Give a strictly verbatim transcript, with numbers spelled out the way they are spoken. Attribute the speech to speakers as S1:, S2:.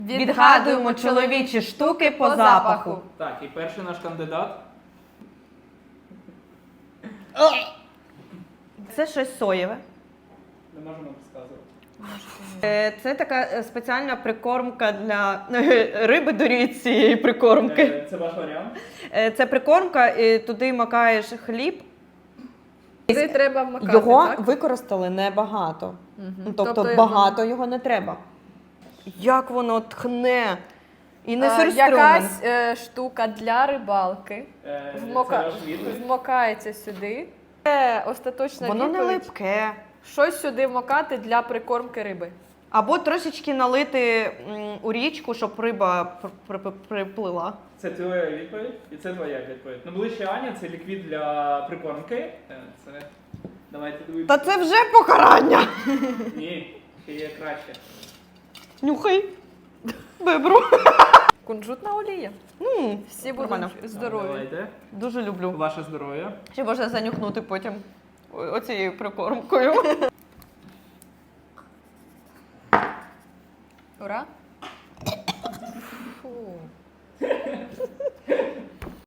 S1: Відгадуємо чоловічі штуки по запаху.
S2: Так, і перший наш кандидат.
S1: Це щось соєве.
S2: Не можемо розказувати.
S1: Е, Це така е, спеціальна прикормка для риби до цієї прикормки.
S2: Е, Це ваш варіант?
S1: Е, Це прикормка, і туди макаєш хліб.
S3: Це треба вмакати,
S1: Його
S3: так?
S1: використали небагато.
S3: Мгм.
S1: Ну, Тобто,
S3: Тобто
S1: багато його не треба. Як воно тхне! І не
S3: А,
S1: сюрстрьомен.
S3: якась е, штука для рибалки
S2: Е,
S3: вмока...
S2: Це ваш відповідь?
S3: вмокається сюди. Це остаточна
S1: Воно не
S3: відповідь.
S1: липке.
S3: Щось сюди вмокати для прикормки риби.
S1: Або трошечки налити м, у річку, щоб риба пр- пр- приплила.
S2: Це твоя відповідь і це твоя відповідь. Ну, ближче Аня, це ліквід для прикормки. Е, Це... Давайте дивитися.
S1: Та це вже покарання!
S2: Ні, ще є краще.
S1: Нюхай. Бебру.
S3: Кунжутна олія.
S1: Ну,
S3: Всі
S1: нормально.
S3: будуть здорові.
S2: Давайте.
S1: Дуже люблю.
S2: Ваше здоров'я.
S1: Ще можна занюхнути потім о- оцією прикормкою.
S3: Ура! Фу.